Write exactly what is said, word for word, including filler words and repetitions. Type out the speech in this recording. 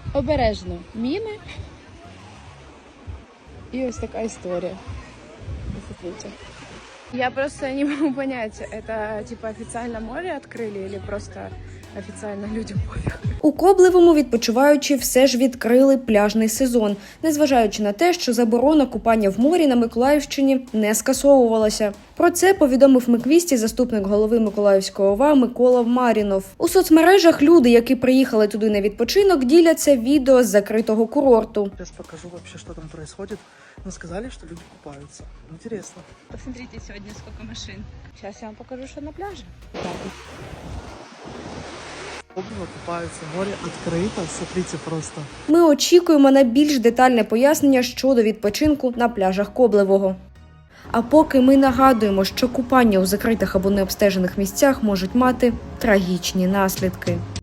Обережно. Міни. И ось такая история. Посмотрите. Я просто не могу понять, это типа официально море открыли или просто офіційно людям пофіг. У Коблевому відпочиваючі все ж відкрили пляжний сезон, незважаючи на те, що заборона купання в морі на Миколаївщині не скасовувалася. Про це повідомив Миквісті заступник голови Миколаївської ОВА Микола Марінов. У соцмережах люди, які приїхали туди на відпочинок, діляться відео з закритого курорту. Сейчас покажу вообще, что там происходит. Но сказали, что люди купаются. Интересно. Посмотрите сегодня, сколько машин. Сейчас я вам покажу, что на пляже. Коблево купаются, море открыто. Смотрите просто. Ми очікуємо на більш детальне пояснення щодо відпочинку на пляжах Коблевого. А поки ми нагадуємо, що купання у закритих або необстежених місцях можуть мати трагічні наслідки.